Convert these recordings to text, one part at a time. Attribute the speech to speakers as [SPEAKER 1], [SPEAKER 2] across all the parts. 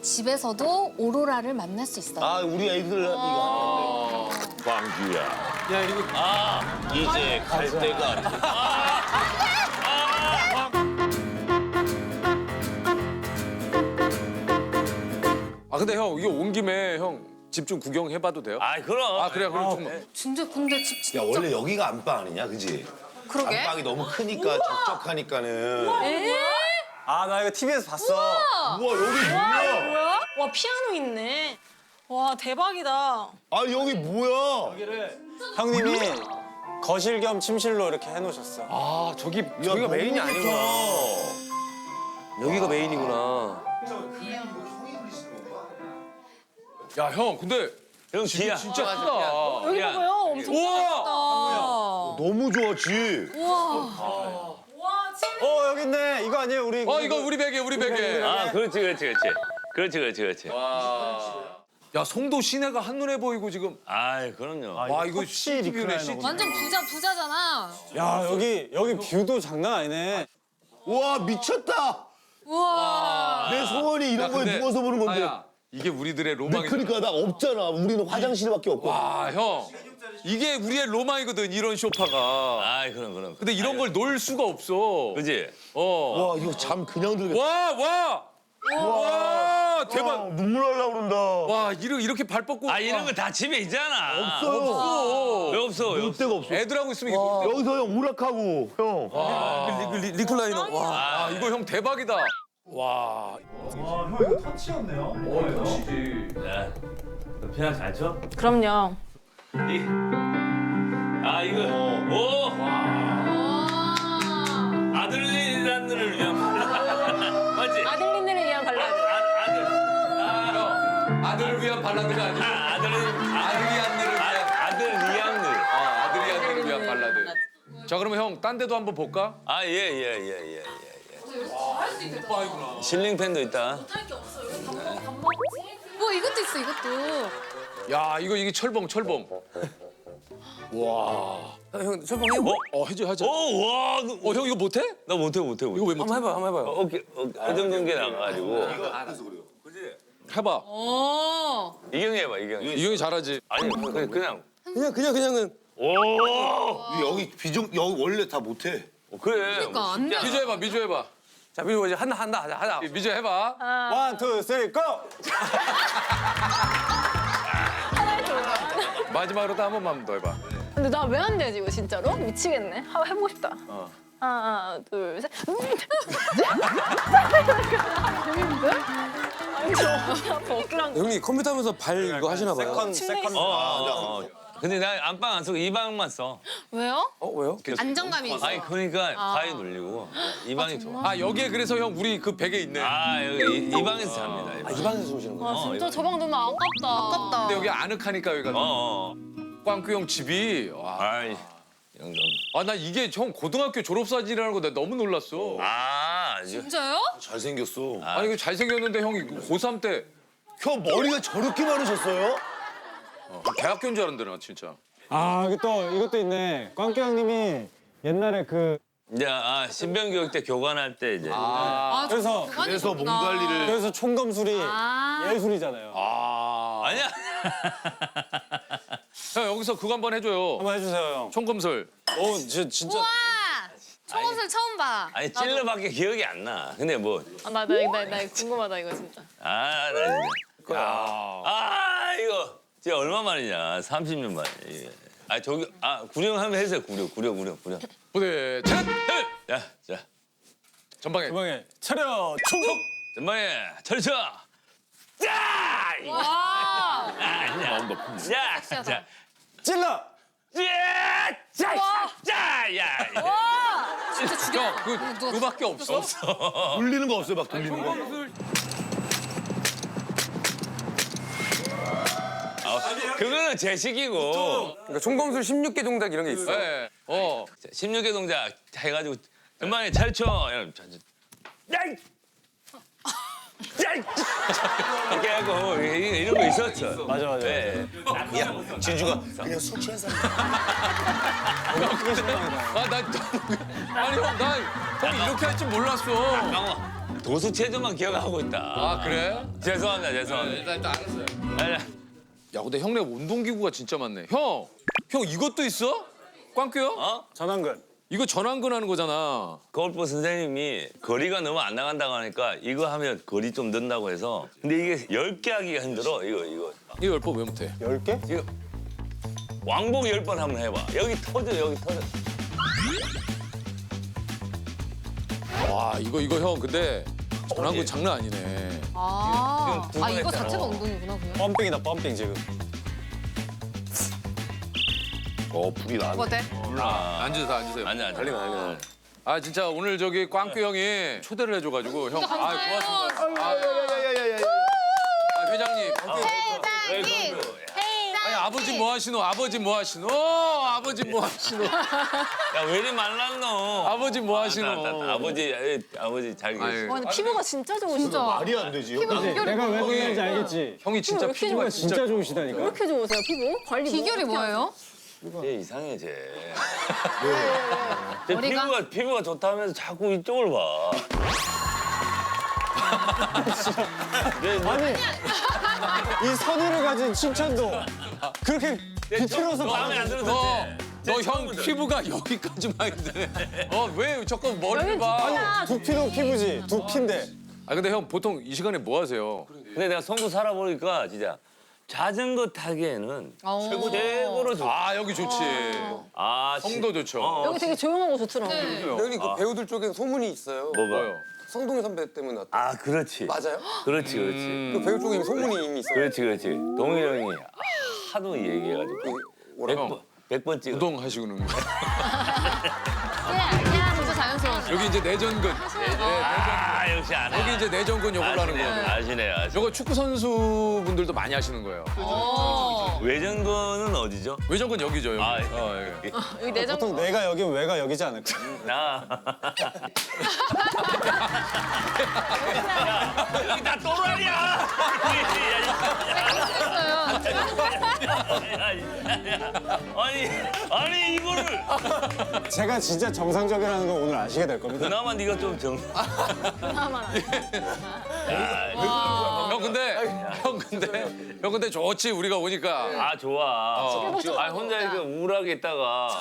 [SPEAKER 1] 집에서도 오로라를 만날 수 있어요.
[SPEAKER 2] 아, 우리 애들 이거
[SPEAKER 3] 광규야.
[SPEAKER 4] 야 이거
[SPEAKER 3] 이제 갈 때가 아니야.
[SPEAKER 4] 아 근데 형 이거 온 김에 형 집 좀 구경해봐도 돼요?
[SPEAKER 3] 아, 그럼.
[SPEAKER 4] 아 그래요? 그럼 좀
[SPEAKER 1] 진짜 근데 집 진짜.
[SPEAKER 2] 야, 원래 여기가 안방 아니냐, 그지?
[SPEAKER 1] 그러게.
[SPEAKER 2] 안방이 너무 크니까 적적하니까는.
[SPEAKER 5] 아, 나 이거 TV에서 봤어.
[SPEAKER 2] 우와, 여기 뭐야?
[SPEAKER 6] 뭐야? 와 피아노 있네. 와 대박이다.
[SPEAKER 2] 아, 여기 뭐야?
[SPEAKER 5] 형님이 거실 겸 침실로 이렇게 해놓으셨어.
[SPEAKER 4] 아 저기가
[SPEAKER 2] 너무
[SPEAKER 4] 메인이
[SPEAKER 2] 좋다.
[SPEAKER 4] 아니구나. 여기가 메인이구나. 야 형 근데
[SPEAKER 3] 형,
[SPEAKER 4] 집이
[SPEAKER 3] 지야.
[SPEAKER 4] 진짜 크다.
[SPEAKER 6] 여기
[SPEAKER 3] 야.
[SPEAKER 6] 봐봐요. 엄청
[SPEAKER 4] 우와.
[SPEAKER 2] 너무 좋아, 집.
[SPEAKER 5] 여기 있네. 이거 아니에요? 우리.
[SPEAKER 4] 이거 우리 베개 우리 베개.
[SPEAKER 3] 아, 그렇지.
[SPEAKER 4] 야 송도 시내가 한눈에 보이고 지금.
[SPEAKER 3] 아이, 그럼요.
[SPEAKER 4] 와 이거
[SPEAKER 5] 터치
[SPEAKER 4] CCTV네
[SPEAKER 5] 리클라이너구나.
[SPEAKER 4] CCTV.
[SPEAKER 1] 완전 부자잖아.
[SPEAKER 5] 야, 여기 뷰도 장난 아니네.
[SPEAKER 2] 우와, 미쳤다.
[SPEAKER 1] 우와.
[SPEAKER 2] 내 소원이 이런 거에 누워서 보는 건데.
[SPEAKER 4] 아야, 이게 우리들의
[SPEAKER 2] 근데
[SPEAKER 4] 로망이다.
[SPEAKER 2] 그러니까 나 없잖아. 우리는 화장실밖에 없고.
[SPEAKER 4] 와 형. 이게 우리의 로망이거든 이런 소파가.
[SPEAKER 3] 아이, 그럼.
[SPEAKER 4] 근데 이런 걸 놓을 수가 없어.
[SPEAKER 3] 그지?
[SPEAKER 4] 와.
[SPEAKER 2] 와, 이거 잠 그냥 들겠다.
[SPEAKER 4] 와 대박.
[SPEAKER 2] 눈물 날라 그런다.
[SPEAKER 4] 와 이렇게 발 뻗고.
[SPEAKER 3] 아, 이런 거 다 집에 있잖아.
[SPEAKER 2] 없어요.
[SPEAKER 3] 왜 없어?
[SPEAKER 2] 놀 데가 없어.
[SPEAKER 4] 애들하고 있으면 이게 놀 데가
[SPEAKER 2] 여기서 형 오락하고 형.
[SPEAKER 4] 리클라이너. 와 이거 형 대박이다. 와.
[SPEAKER 3] 야, 너 피아노 잘 쳐?
[SPEAKER 6] 그럼요.
[SPEAKER 3] 아, 이거. 오! 아들을 위한 맞지?
[SPEAKER 6] 아들린들을 위한 발라드.
[SPEAKER 4] 아들을 위한 발라드가 아니고 아들이 안들을 위한
[SPEAKER 3] 아들 리앙들.
[SPEAKER 4] 아들이 안들을 위한 발라드. 자 그러면 형 딴 데도 한번 볼까?
[SPEAKER 3] 아, 예. 실링팬도 있다.
[SPEAKER 1] 뭐 이것도 있어 이것도.
[SPEAKER 4] 야 이게 철봉. 와. 형 철봉 해? 해줘.
[SPEAKER 3] 오, 와.
[SPEAKER 4] 형 이거 못해?
[SPEAKER 3] 나 못해.
[SPEAKER 4] 이거 왜 못해?
[SPEAKER 5] 한번 해봐요.
[SPEAKER 3] 어깨 회전근개 나가가지고.
[SPEAKER 4] 해봐.
[SPEAKER 1] 오.
[SPEAKER 3] 이경이 해봐, 이경이.
[SPEAKER 4] 이형이 잘하지.
[SPEAKER 3] 아니, 그냥.
[SPEAKER 5] 그냥은.
[SPEAKER 3] 오!
[SPEAKER 2] 여기 여기 원래 다 못해.
[SPEAKER 3] 그래.
[SPEAKER 1] 그러니까 안 돼.
[SPEAKER 4] 미주 해봐.
[SPEAKER 5] 자, 미주 이제 하자.
[SPEAKER 4] 미주 해봐.
[SPEAKER 5] 원, 투, 쓰리, 고!
[SPEAKER 4] 마지막으로 또 한 번만 더 해봐.
[SPEAKER 6] 근데 나 왜 안 되지 이거 진짜로? 미치겠네. 한번 해보고 싶다. 하나, 둘, 셋. 재밌는데? 아니 저 아파 어깨랑.
[SPEAKER 5] 형님 컴퓨터 하면서 발 이거 하시나 봐요. 세컨드.
[SPEAKER 3] 근데 나 안방 안 쓰고 이 방만 써.
[SPEAKER 1] 왜요?
[SPEAKER 5] 왜요?
[SPEAKER 1] 안정감이 있어.
[SPEAKER 3] 아니, 그러니까 가위 눌리고. 이 방이 좋아.
[SPEAKER 4] 여기에 그래서 형 우리 그 베개 있네.
[SPEAKER 3] 아, 여기 이 방에서 잡니다. 이 방.
[SPEAKER 5] 이 방에서 주무시는 거예요?
[SPEAKER 6] 아 진짜 저 방 너무 아깝다.
[SPEAKER 4] 근데 여기 아늑하니까 여기가.
[SPEAKER 3] 어.
[SPEAKER 4] 꽝규 형 집이. 와.
[SPEAKER 3] 아이, 영점.
[SPEAKER 4] 나 이게 형 고등학교 졸업사진이라는 거 내가 너무 놀랐어.
[SPEAKER 1] 진짜요?
[SPEAKER 2] 잘생겼어.
[SPEAKER 4] 아니 이거 잘생겼는데 형이 고3 때
[SPEAKER 2] 형 머리가 저렇게 많으셨어요?
[SPEAKER 4] 대학교인 줄 알았는데 나 진짜.
[SPEAKER 5] 이것도 있네. 꽝깨 형님이 옛날에
[SPEAKER 3] 이제 신변교육 때 교관할 때 이제.
[SPEAKER 2] 그래서 몸 관리를.
[SPEAKER 5] 그래서 총검술이 예술이잖아요.
[SPEAKER 3] 아니야.
[SPEAKER 4] 형 여기서 그거 한번 해줘요.
[SPEAKER 5] 한번 해주세요, 형.
[SPEAKER 4] 총검술.
[SPEAKER 5] 진짜.
[SPEAKER 1] 우와. 초검술 처음 봐.
[SPEAKER 3] 아니, 찔러밖에 기억이 안 나. 근데 뭐.
[SPEAKER 6] 나 궁금하다 이거 진짜.
[SPEAKER 3] 나 진짜. 이거 진짜 얼마 만이냐. 30년 만에. 이게. 저기 구령 한번 해주세요. 구령.
[SPEAKER 4] 부대 차렷.
[SPEAKER 3] 자.
[SPEAKER 4] 전방에.
[SPEAKER 5] 전방에 차렷 총!
[SPEAKER 3] 전방에 철쳐. 자!
[SPEAKER 1] 와.
[SPEAKER 3] 자.
[SPEAKER 5] 찔러!
[SPEAKER 1] 진짜 죽여.
[SPEAKER 4] 형 그거밖에 없어.
[SPEAKER 2] 돌리는 거 없어요, 막 돌리는 거.
[SPEAKER 3] 그거는 제식이고.
[SPEAKER 5] 그러니까 총검술 16개 동작 이런 게 있어.
[SPEAKER 4] 네.
[SPEAKER 3] 16개 동작 해가지고 전방에 철쳐. 이렇게 하고 이런 거 있었죠.
[SPEAKER 5] 맞아.
[SPEAKER 3] 네.
[SPEAKER 2] 야, 진주가 그냥 술 취한 사람.
[SPEAKER 4] 아니 형 이렇게 할 줄 몰랐어.
[SPEAKER 3] 강호. 도수 체조만 기억하고 있다.
[SPEAKER 4] 아 그래?
[SPEAKER 3] 죄송합니다, 죄송합니다.
[SPEAKER 4] 일단 알았어요.
[SPEAKER 3] 아니,
[SPEAKER 4] 야 근데 형네 운동기구가 진짜 많네. 형 이것도 있어? 꽝규 형?
[SPEAKER 3] 어?
[SPEAKER 5] 전완근.
[SPEAKER 4] 이거 전완근 하는 거잖아.
[SPEAKER 3] 골프 선생님이 거리가 너무 안 나간다고 하니까 이거 하면 거리 좀 는다고 해서. 근데 이게 10개 하기가 힘들어. 이거.
[SPEAKER 4] 이거 열법 왜 못해?
[SPEAKER 5] 10개?
[SPEAKER 3] 이거 왕복 10번 한번 해봐. 여기 터져, 여기 터져.
[SPEAKER 4] 와 이거 형 근데 전완근 장난 아니네.
[SPEAKER 1] 아,
[SPEAKER 3] 지금 두
[SPEAKER 1] 이거
[SPEAKER 3] 번
[SPEAKER 1] 자체가
[SPEAKER 3] 했잖아.
[SPEAKER 1] 운동이구나 그냥.
[SPEAKER 5] 펌핑이다 펌핑 지금.
[SPEAKER 2] 불이 나네.
[SPEAKER 1] 뭐 어때?
[SPEAKER 4] 앉으세요.
[SPEAKER 3] 아니야.
[SPEAKER 2] 달리면.
[SPEAKER 4] 아 진짜 오늘 저기 꽝규 형이 초대를 해줘가지고 형. 아 고맙습니다. 아, 회장님.
[SPEAKER 1] 회장님.
[SPEAKER 4] 아니 아버지 뭐 하시노? 아버지 뭐 하시노? 아버지 뭐 하시노?
[SPEAKER 3] 야, 왜 이리 말랐노?
[SPEAKER 4] 아버지 뭐 하시노?
[SPEAKER 3] 아버지 잘 계시.
[SPEAKER 4] 아유,
[SPEAKER 6] 와 근데 피부가 진짜 좋으시다.
[SPEAKER 2] 말이 안 되지.
[SPEAKER 5] 내가 왜 그러는지 알겠지?
[SPEAKER 4] 형이 진짜
[SPEAKER 6] 이렇게
[SPEAKER 4] 피부가
[SPEAKER 6] 좋아?
[SPEAKER 4] 진짜
[SPEAKER 5] 진짜
[SPEAKER 6] 왜
[SPEAKER 5] 좋으시다니까.
[SPEAKER 6] 이렇게 좋으세요 피부? 관리
[SPEAKER 1] 비결이
[SPEAKER 6] 뭐 어떻게
[SPEAKER 1] 뭐예요?
[SPEAKER 3] 쟤 이상해, 쟤.
[SPEAKER 1] 머리가?
[SPEAKER 3] 피부가 좋다면서 자꾸 이쪽을 봐.
[SPEAKER 5] 아니 이 선의를 가진 칭찬도 그렇게 비틀어서
[SPEAKER 3] 마음에 안 들어서
[SPEAKER 4] 너 형 피부가 여기까지만 있네. 왜 자꾸 머리를 봐?
[SPEAKER 5] 두피도 피부지. 두피인데.
[SPEAKER 4] 아 근데 형 보통 이 시간에 뭐 하세요?
[SPEAKER 3] 근데 내가 송도 살아보니까 진짜 자전거 타기에는
[SPEAKER 1] 어.
[SPEAKER 3] 최고로 좋아.
[SPEAKER 4] 아 여기 좋지. 성도 좋죠.
[SPEAKER 6] 여기 되게 조용하고 좋더라고.
[SPEAKER 7] 여기 그 배우들 쪽에 소문이 있어요.
[SPEAKER 3] 뭐가?
[SPEAKER 7] 성동희 선배 때문에 왔다.
[SPEAKER 3] 아, 그렇지.
[SPEAKER 7] 맞아요?
[SPEAKER 3] 그렇지.
[SPEAKER 7] 그 배우 쪽에 소문이 이미 있어요.
[SPEAKER 3] 그렇지. 동일 형이 하도 얘기해가지고
[SPEAKER 7] 뭐라고?
[SPEAKER 3] 100번 찍어.
[SPEAKER 4] 우동 하시고는 거야.
[SPEAKER 1] 야, 진짜 자연스러워.
[SPEAKER 4] 여기 이제 내전근.
[SPEAKER 3] 아, 역시 안 해.
[SPEAKER 4] 여기 이제 내전근 요걸로 하는 거예요.
[SPEAKER 3] 아시네.
[SPEAKER 4] 요거 축구 선수분들도 많이 하시는 거예요.
[SPEAKER 3] 외전거는 어디죠?
[SPEAKER 4] 외전근 여기죠 여기.
[SPEAKER 3] 아,
[SPEAKER 4] 여기.
[SPEAKER 6] 여기 내장
[SPEAKER 5] 보통 내가 여기 왜가 여기지 않을까?
[SPEAKER 3] 나. 여기 다 또라이야. 아니 이거를
[SPEAKER 5] 제가 진짜 정상적이라는 걸 오늘 아시게 될 겁니다.
[SPEAKER 3] 그나마 네가 좀 정.
[SPEAKER 4] 형 근데 좋지 우리가 오니까.
[SPEAKER 3] 아 좋아. 아 혼자 이렇게 우울하게 있다가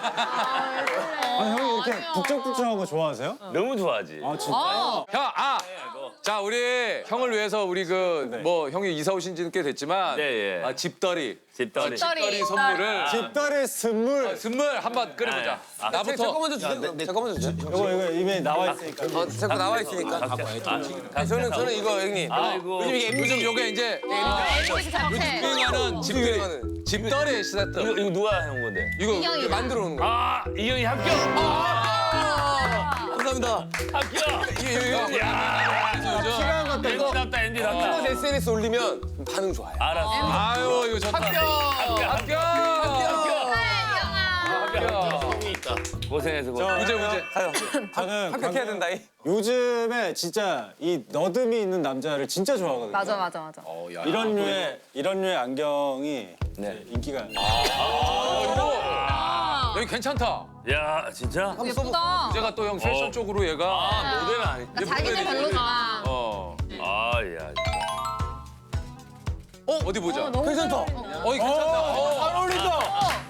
[SPEAKER 5] 아, 형이 이렇게 북적북적한 거 좋아하세요?
[SPEAKER 3] 너무 좋아하지.
[SPEAKER 5] 아 진짜?
[SPEAKER 4] 형 자 우리 형을 위해서 우리 그 뭐 형이 이사 오신 지는 꽤 됐지만
[SPEAKER 3] 네, 예.
[SPEAKER 4] 집더리
[SPEAKER 3] 집더리.
[SPEAKER 4] 집더리 선물을
[SPEAKER 5] 집달의 선물.
[SPEAKER 4] 선물 한번 끓여보자. 나부터.
[SPEAKER 7] 제가 먼저 주세요. 제가 먼저 주세요.
[SPEAKER 5] 이거 이미 나와 있으니까.
[SPEAKER 7] 제가 나와 있으니까. 저는 이거 형님.
[SPEAKER 3] 아이고.
[SPEAKER 4] 요즘 요게 이제
[SPEAKER 1] MBC 자체.
[SPEAKER 4] 유행하는 집더리 세트.
[SPEAKER 3] 이거 누가 해온 건데?
[SPEAKER 1] 이경이.
[SPEAKER 7] 만들어 놓은 거.
[SPEAKER 3] 아 이형이 합격.
[SPEAKER 7] 감사합니다.
[SPEAKER 3] 합격. 야. 엔디답다 엔디답다.
[SPEAKER 7] SNS 올리면 반응 좋아요.
[SPEAKER 3] 알았어.
[SPEAKER 4] 아유 이거 좋다. 합격.
[SPEAKER 3] 고생해서
[SPEAKER 4] 문제.
[SPEAKER 5] 저는
[SPEAKER 7] 합격해야 된다.
[SPEAKER 5] 요즘에 진짜 이 너듬이 있는 남자를 진짜 좋아하거든요.
[SPEAKER 1] 맞아.
[SPEAKER 5] 이런 류의 안경이
[SPEAKER 3] 네.
[SPEAKER 5] 인기가.
[SPEAKER 4] 여기 괜찮다.
[SPEAKER 3] 야 진짜?
[SPEAKER 1] 예쁘다.
[SPEAKER 4] 제가 또 형 패션 쪽으로 얘가.
[SPEAKER 3] 아 모델은 아니.
[SPEAKER 1] 자기는 별로다.
[SPEAKER 3] 아야.
[SPEAKER 4] 어디 보자.
[SPEAKER 7] 괜찮다.
[SPEAKER 4] 이거 괜찮다.
[SPEAKER 7] 잘 어울린다.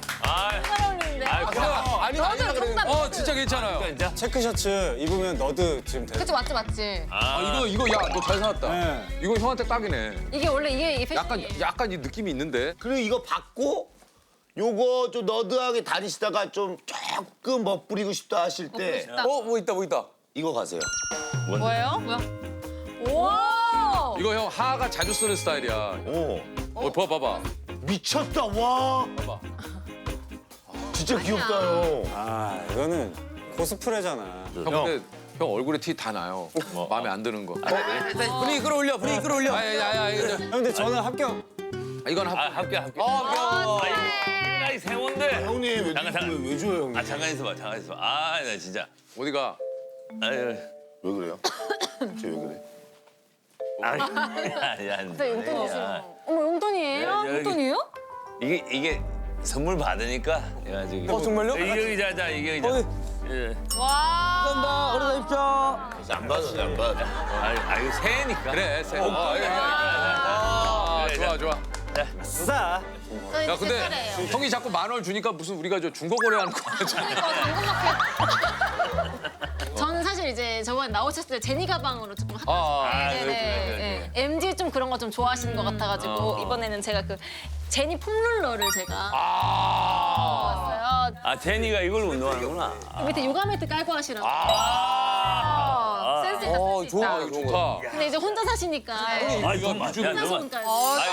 [SPEAKER 7] 아니라 그랬는데.
[SPEAKER 4] 진짜 괜찮아요.
[SPEAKER 3] 진짜?
[SPEAKER 5] 체크 셔츠 입으면 너드 지금 돼.
[SPEAKER 1] 그치 맞지.
[SPEAKER 4] 이거 야 너 잘 사왔다.
[SPEAKER 5] 네.
[SPEAKER 4] 이거 형한테 딱이네.
[SPEAKER 1] 이게 원래 이게 패션이.
[SPEAKER 4] 약간 이 느낌이 있는데.
[SPEAKER 2] 그리고 이거 받고 요거 좀 너드하게 다니시다가 좀 조금 멋부리고 싶다 하실 때
[SPEAKER 7] 뭐 있다.
[SPEAKER 2] 이거 가세요.
[SPEAKER 1] 뭐예요? 뭐야? 오!
[SPEAKER 4] 이거 형 하하가 자주 쓰는 스타일이야.
[SPEAKER 2] 오.
[SPEAKER 4] 봐봐.
[SPEAKER 2] 미쳤다 와.
[SPEAKER 4] 봐봐.
[SPEAKER 2] 진짜 귀엽다 형.
[SPEAKER 5] 아 이거는 코스프레잖아.
[SPEAKER 4] 형 근데 형 얼굴에 티 다 나요. 마음에 안 드는 거.
[SPEAKER 7] 분위기 끌어올려.
[SPEAKER 4] 야야야 이거
[SPEAKER 5] 형, 근데 저는 합격.
[SPEAKER 4] 이건
[SPEAKER 3] 합격. 나이 세몬데.
[SPEAKER 2] 형님 왜,
[SPEAKER 3] 잠깐.
[SPEAKER 2] 왜 줘요 형님?
[SPEAKER 3] 잠깐 있어봐. 아 나 진짜.
[SPEAKER 4] 어디가?
[SPEAKER 3] 아유.
[SPEAKER 2] 왜 그래요? 쟤 왜 그래?
[SPEAKER 3] 야.
[SPEAKER 6] 진짜 용돈 주시는 어머 용돈이에요?
[SPEAKER 1] 용돈이에요?
[SPEAKER 3] 이게 선물 받으니까 해가지고.
[SPEAKER 7] 정말요?
[SPEAKER 3] 이경이 자자 이경이 자. 예.
[SPEAKER 1] 와.
[SPEAKER 7] 감사합니다. 오래 가십시오.
[SPEAKER 2] 안 받아, 안 받아.
[SPEAKER 3] 아 이거 새해니까.
[SPEAKER 4] 그래, 새.
[SPEAKER 3] 그래,
[SPEAKER 4] 좋아, 좋아.
[SPEAKER 5] 수사.
[SPEAKER 6] 저 이제
[SPEAKER 4] 야, 근데
[SPEAKER 6] 제 차례예요.
[SPEAKER 4] 형이 자꾸 10,000원 주니까 무슨 우리가 저 중고 거래하는 거 같잖아.
[SPEAKER 6] 저는 사실 이제 저번에 나오셨을 때 제니 가방으로 조금
[SPEAKER 3] 그래.
[SPEAKER 6] MG 좀 그런 거 좀 좋아하시는 것 같아가지고 이번에는 제가 그 제니 폼롤러를 제가 왔어요.
[SPEAKER 3] 아 제니가 이걸 운동하는구나.
[SPEAKER 6] 밑에 요가 매트 깔고 하시라고. 센스 있다, 센스 있다.
[SPEAKER 4] 좋아, 좋다.
[SPEAKER 6] 근데 이제 혼자 사시니까
[SPEAKER 3] 아이고 맞아.
[SPEAKER 6] 혼자서니까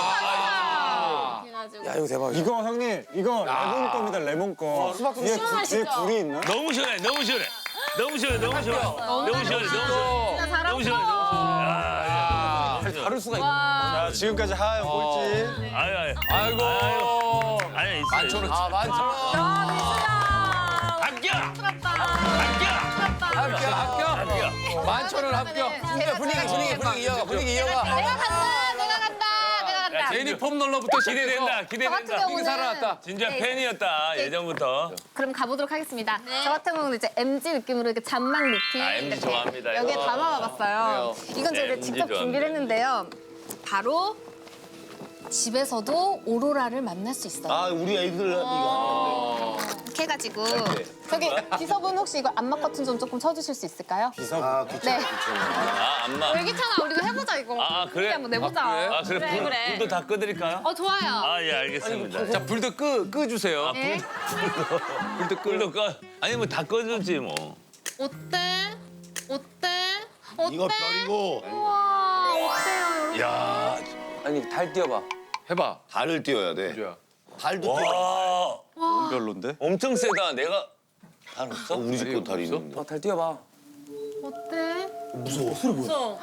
[SPEAKER 6] 그래가지고
[SPEAKER 7] 야, 이거 대박이야.
[SPEAKER 5] 이거 형님 이거 레몬 겁니다 레몬 거. 뒤에
[SPEAKER 6] 시원하시죠?
[SPEAKER 5] 불이 있나?
[SPEAKER 3] 너무 시원해, 너무 시원해. 너무 시원해, 너무 시원해. 너무 시원해, 너무 시원해.
[SPEAKER 6] 진짜
[SPEAKER 3] 너무 시원해, 너무 시원해.
[SPEAKER 7] 다를 수가 있네.
[SPEAKER 5] 자 지금까지 하영 꼴찌.
[SPEAKER 3] 아유.
[SPEAKER 4] 아이고.
[SPEAKER 3] 아니 있어.
[SPEAKER 4] 11,000원.
[SPEAKER 7] 아, 많죠.
[SPEAKER 3] 합격.
[SPEAKER 6] 부럽다.
[SPEAKER 3] 합격.
[SPEAKER 4] 합격.
[SPEAKER 3] 합격.
[SPEAKER 4] 11,000원 합격.
[SPEAKER 7] 분위기 이어가. 분위기 이어가.
[SPEAKER 6] 내가 간다.
[SPEAKER 4] 제니 폼롤러부터
[SPEAKER 3] 기대된다, 기대된다.
[SPEAKER 4] 경우는 살아났다.
[SPEAKER 3] 진짜 팬이었다 예전부터.
[SPEAKER 6] 그럼 가보도록 하겠습니다. 저 같은 경우는 이제 MG 느낌으로 이렇게 잔망 루틴
[SPEAKER 3] 아, MG
[SPEAKER 6] 이렇게
[SPEAKER 3] 좋아합니다,
[SPEAKER 6] 여기에
[SPEAKER 3] 이거.
[SPEAKER 6] 담아와봤어요. 이건 제가
[SPEAKER 3] MG
[SPEAKER 6] 직접
[SPEAKER 3] 좋아합니다.
[SPEAKER 6] 준비를 했는데요. 바로 집에서도 오로라를 만날 수 있어요.
[SPEAKER 2] 아, 우리 애들 이거
[SPEAKER 6] 이렇게 해가지고 저기 비서분 혹시 이거 안마 커튼 좀 조금 쳐주실 수 있을까요?
[SPEAKER 2] 비서.
[SPEAKER 6] 네.
[SPEAKER 3] 아 안마.
[SPEAKER 6] 괜찮아. 우리 이거 해보자 이거.
[SPEAKER 3] 아, 그래?
[SPEAKER 6] 우리 한번 내보자.
[SPEAKER 3] 아 그래
[SPEAKER 6] 그래, 그래.
[SPEAKER 3] 불도 다 끄드릴까요?
[SPEAKER 6] 좋아요.
[SPEAKER 3] 아 예 알겠습니다.
[SPEAKER 4] 자, 불도 끄주세요.
[SPEAKER 6] 네.
[SPEAKER 3] 불도 꺼. 아니 뭐 다 꺼주지 뭐.
[SPEAKER 6] 어때?
[SPEAKER 2] 이거 별이고
[SPEAKER 6] 우와, 어때요?
[SPEAKER 3] 야.
[SPEAKER 7] 아니, 달 띄워봐.
[SPEAKER 4] 해봐.
[SPEAKER 2] 달을 띄워야 돼.
[SPEAKER 4] 주야.
[SPEAKER 2] 달도 띄워.
[SPEAKER 3] 와.
[SPEAKER 5] 별론데?
[SPEAKER 3] 엄청 세다. 내가 달 없어?
[SPEAKER 2] 우리 집도 달이 있는데.
[SPEAKER 7] 달 띄워봐.
[SPEAKER 6] 어때?
[SPEAKER 2] 무서워. 소리 뭐야?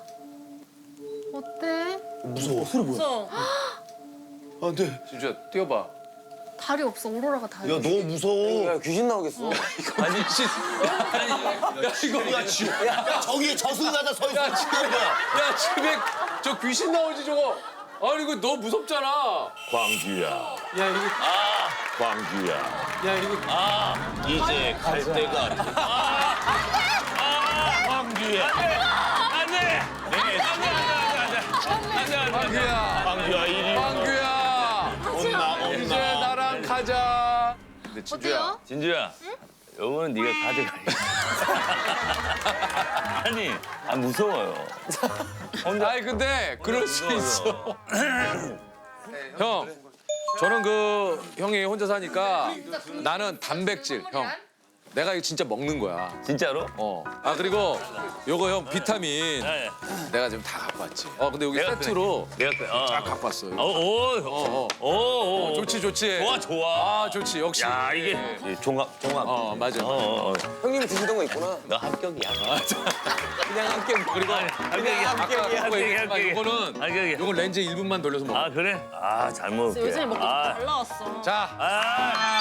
[SPEAKER 6] 어때?
[SPEAKER 2] 무서워. 소리 뭐야? 안 돼.
[SPEAKER 4] 진주야, 띄워봐.
[SPEAKER 6] 달이 없어. 오로라가 달이.
[SPEAKER 2] 야, 너무 무서워.
[SPEAKER 7] 야, 귀신 나오겠어.
[SPEAKER 3] 아니 씨.
[SPEAKER 4] 야, 이거.
[SPEAKER 2] 야, 저기 저승사자 서 있어.
[SPEAKER 4] 야, 집에 저 귀신 나오지, 저거. 아니, 이거 너무 무섭잖아.
[SPEAKER 3] 광규야.
[SPEAKER 5] 야 이거
[SPEAKER 3] 아 광규야.
[SPEAKER 5] 야 이거
[SPEAKER 3] 아 이제 갈 때가 아니다. 아 광규야. 안돼. 안돼.
[SPEAKER 4] 광규야.
[SPEAKER 3] 광규야 이리.
[SPEAKER 4] 광규야.
[SPEAKER 2] 온나
[SPEAKER 4] 이제 나랑 가자. 근데 진주야.
[SPEAKER 6] 어때요?
[SPEAKER 3] 진주야. 요거는 네가 가져가. 아니, 무서워요. 혼자
[SPEAKER 4] 아니 근데 그럴 수 있어. 형, 저는 그 형이 혼자 사니까 나는 단백질, 형. 내가 이거 진짜 먹는 거야.
[SPEAKER 3] 진짜로?
[SPEAKER 4] 아 그리고 요거 형 비타민
[SPEAKER 3] 네.
[SPEAKER 4] 내가 지금 다 갖고 왔지. 근데 여기
[SPEAKER 3] 내가
[SPEAKER 4] 세트로
[SPEAKER 3] 내가
[SPEAKER 4] 쫙 갖고 왔어.
[SPEAKER 3] 오.
[SPEAKER 4] 좋지 좋지.
[SPEAKER 3] 좋아.
[SPEAKER 4] 아 좋지 역시.
[SPEAKER 3] 야 이게 종합.
[SPEAKER 4] 맞아.
[SPEAKER 7] 형님이 드시던 거 있구나.
[SPEAKER 3] 너 합격이야.
[SPEAKER 4] 그냥 합격. 그리고
[SPEAKER 3] 합격이야.
[SPEAKER 4] 아까 요거는
[SPEAKER 3] 합격이야.
[SPEAKER 4] 요거 렌즈 1분만 돌려서 먹어.
[SPEAKER 3] 아 그래? 아 잘 먹을게.
[SPEAKER 6] 요즘에 먹고
[SPEAKER 3] 아.
[SPEAKER 6] 잘 나왔어.
[SPEAKER 4] 자,